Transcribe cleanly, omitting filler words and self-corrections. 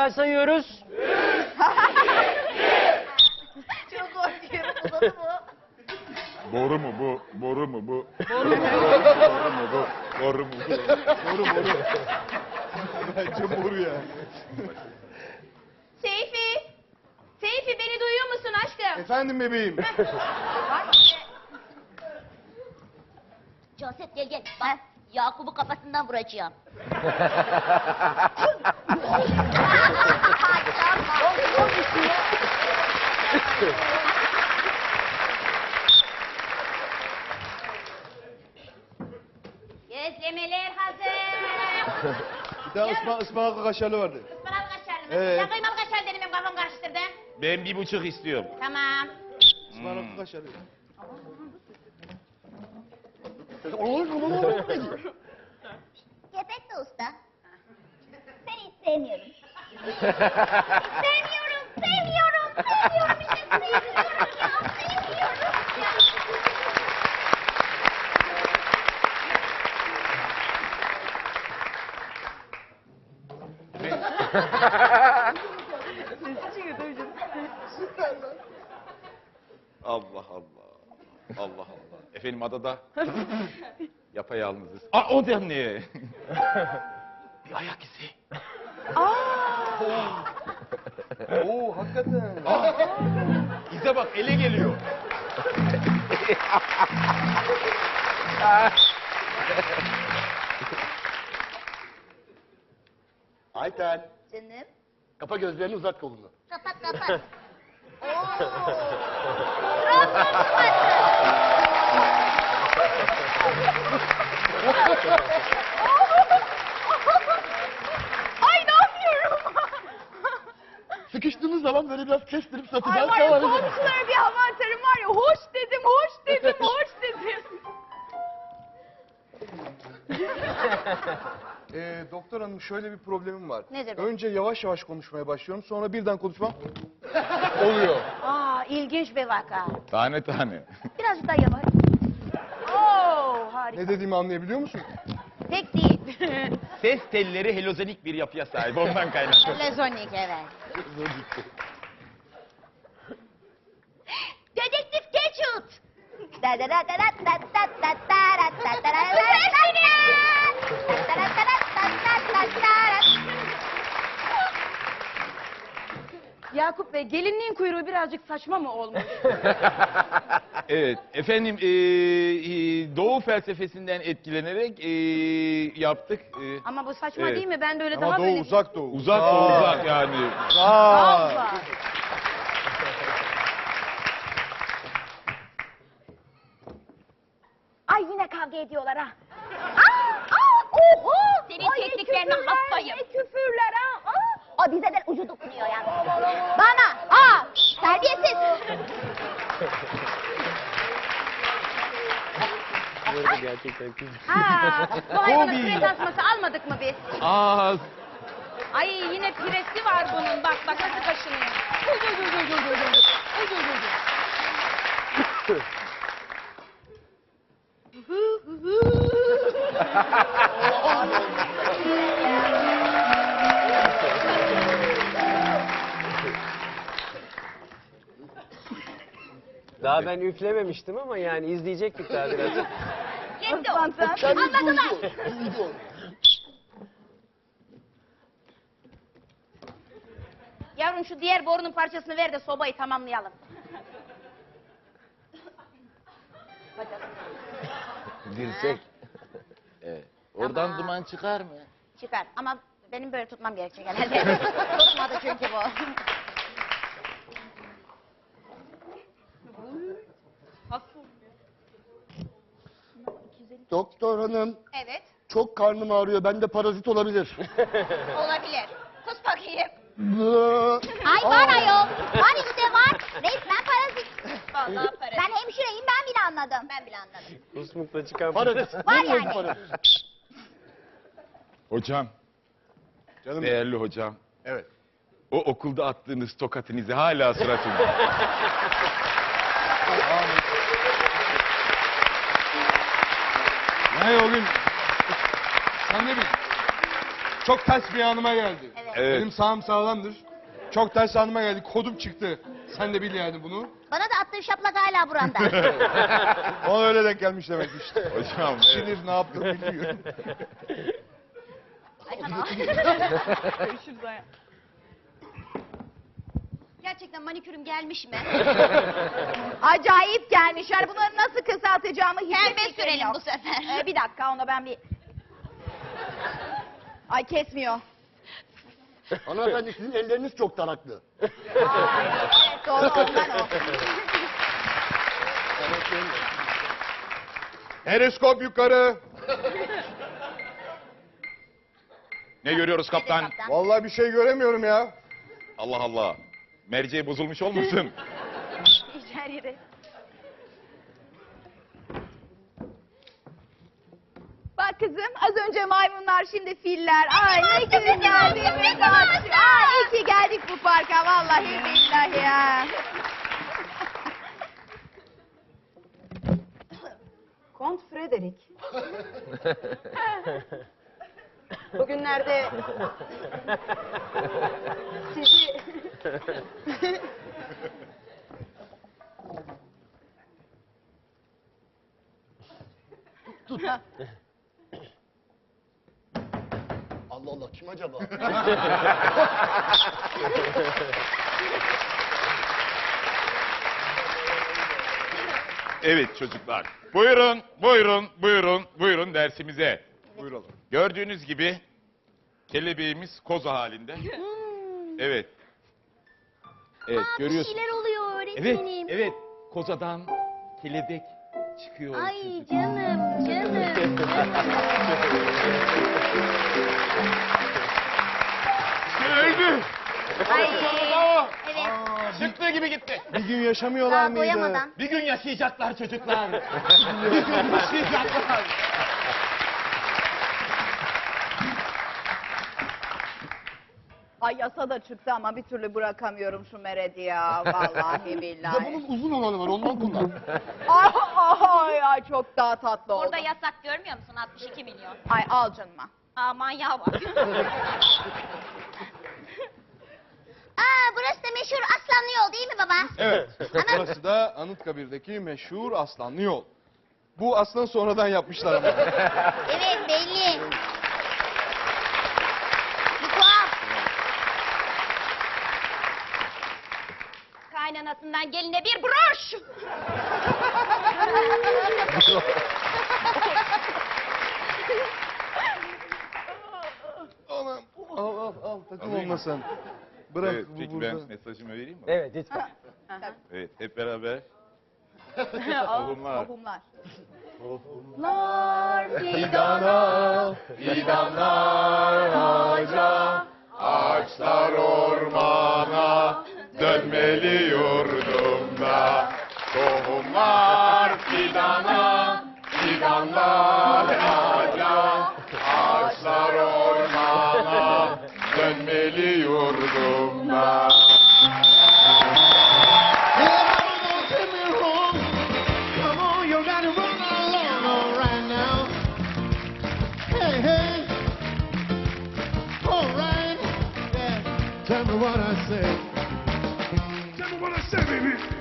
kadar sayıyoruz? Çok korkuyorum. Uzadı mı? Boru mu bu? Boru mu bu? Boru mu? Boru mu bu? Boru mu bu? Boru. Bence boru ya. Seyfi. Seyfi beni duyuyor musun aşkım? Efendim bebeğim. Caset gel. Bak Yakup'u kafasından vuracağım. Gözlemeler hazır. Bir daha ıspanaklı kaşarlı vardı. Ispanak kaşarlı mı? Evet. Ya kıymalı kaşar dedim benim kafam karıştırdı. Ben 1,5 istiyorum. Tamam. Ispanaklı kaşarlı. Gepetto usta. Seni hiç sevmiyorum. Sevmiyorum. İşte sevmiyorum ya. Allah Allah. Allah Allah. Efendim adada yapayalnızız. Aa o da ne? Bir ayak izi. Oo hakikaten. İze bak ele geliyor. Ayten. Canım. Kapa gözlerini uzat kolunu. Kapat. Ay ne yapıyorum? Sıkıştığınız zaman böyle biraz kestirip Ay satacağız. var ya komşulara bir hava atarım var ya. Hoş dedim. Doktor hanım şöyle bir problemim var. Nedir bu? Önce yavaş yavaş konuşmaya başlıyorum. Sonra birden konuşmam oluyor. Aa ilginç bir vaka. Tane tane. Biraz daha yavaş. Oo harika. Ne dediğimi anlayabiliyor musun? Pek değil. Ses telleri helozonik bir yapıya sahip. Ondan kaynaklı. Lezonik evet. Dedektif Geçut. Yakup Bey gelinliğin kuyruğu birazcık saçma mı olmuş? Evet. Efendim Doğu felsefesinden etkilenerek yaptık. Ama bu saçma Evet. değil mi? Ben böyle Ama daha doğu böyle... uzak doğu. Uzak da uzak yani. Allah. Ay yine kavga ediyorlar ha. Oho! Senin tekniklerine hastayım. Ne küfürler ha. O bize de ucu dokunuyor yani. Bana. Terbiyesiz. Gerçekten kız. Bu hayvanın pire tasması almadık mı biz? Aa, Ay yine piresi var bunun. Bak nasıl kaşınıyor. Daha ben üflememiştim ama yani izleyecektik daha biraz. Yetti o. Anladılar. Duydu. Yavrum şu diğer borunun parçasını ver de sobayı tamamlayalım. dirsek. Evet. Oradan Tamam. duman çıkar mı? Çıkar ama benim böyle tutmam gerekecek herhalde. Tutmadı çünkü bu. Doktor hanım Evet çok karnım ağrıyor. Bende parazit olabilir. olabilir. Kus bakayım. Ay var ayol. Var işte var. Resmen parazit. Vallahi para. Ben hemşireyim ben bile anladım. Ben bile anladım. Kusmukla çıkan Parazit. Var Bilmiyorum yani. parazit. Hocam, Canım. değerli hocam. Evet. O okulda attığınız tokatınızı hala suratımda. Ne o gün? Sen ne bileyim? Çok ters bir anıma geldi. Evet. Benim sağım sağlamdır. Çok ters anıma geldi. Kodum çıktı. Sen de bil yani bunu. Bana da attığın şaplak hala buranda. Ona öyle denk gelmiş demek işte. Hocam evet. Sinir ne yaptığını bilmiyorum. Ay sana. Görüşürüz Aya. Gerçekten manikürüm gelmiş mi? Acayip gelmiş. Yani bunları nasıl kısaltacağımı hiç Pembe fikrim sürelim yok. bu sefer. Bir dakika ona ben bir... Ay kesmiyor. Hanımefendi sizin elleriniz çok taraklı. Evet doğru ondan o. Periskop yukarı. Ne görüyoruz kaptan? Kaptan. Vallahi bir şey göremiyorum ya. Allah Allah. Merceği bozulmuş olmasın? Her yeri. Bak kızım az önce maymunlar şimdi filler. Ay ne güzel geldiğimiz Ay iyi ki geldik bu parka vallahi billahi ya. Kont Frederick. Bugünlerde sizi Allah Allah kim acaba? Evet çocuklar. Buyurun, buyurun, buyurun, buyurun dersimize. Buyuralım. Gördüğünüz gibi kelebeğimiz koza halinde. Evet. Evet Bir görüyorsun. şeyler oluyor Evet, öğretmenim. evet. Kozadan kelebek çıkıyor. Ay çocuk. canım. Öldü. Ay. Bravo. Evet. Çıktığı gibi gitti. Bir gün yaşamıyorlar Daha mıydı? doyamadan. Bir gün yaşayacaklar çocuklar. Bir gün yaşayacaklar. Ay yasa da çıktı ama bir türlü bırakamıyorum şu Mered'i ya. Vallahi Bir de billahi. bunun uzun olanı var ondan kullan. Ay çok daha tatlı oldu. Burada yasak görmüyor musun? 62 milyon. Ay al canıma. Aman ya bak. Aa burası da meşhur Aslanlı Yol değil mi baba? Evet. Burası da Anıtkabir'deki meşhur Aslanlı Yol. Bu aslında sonradan yapmışlar ama. Evet belli. Bir tuhaf. Kaynanasından geline bir broş. Anam. Al takım olmasan. Bırak Evet, bu peki burada. ben mesajımı vereyim mi? Evet lütfen. Evet, hep beraber. Tohumlar. Tohumlar. Fidana, fidanlar ağaca, ağaçlar ormana, dönmeli yurdumda. Tohumlar fidana, fidanlar ağaca, ağaçlar ormana, dönmeli yurdumda. Come on, you gotta run along right now. Hey, hey. All right. Yeah. Tell me what I say. Tell me what I say, baby.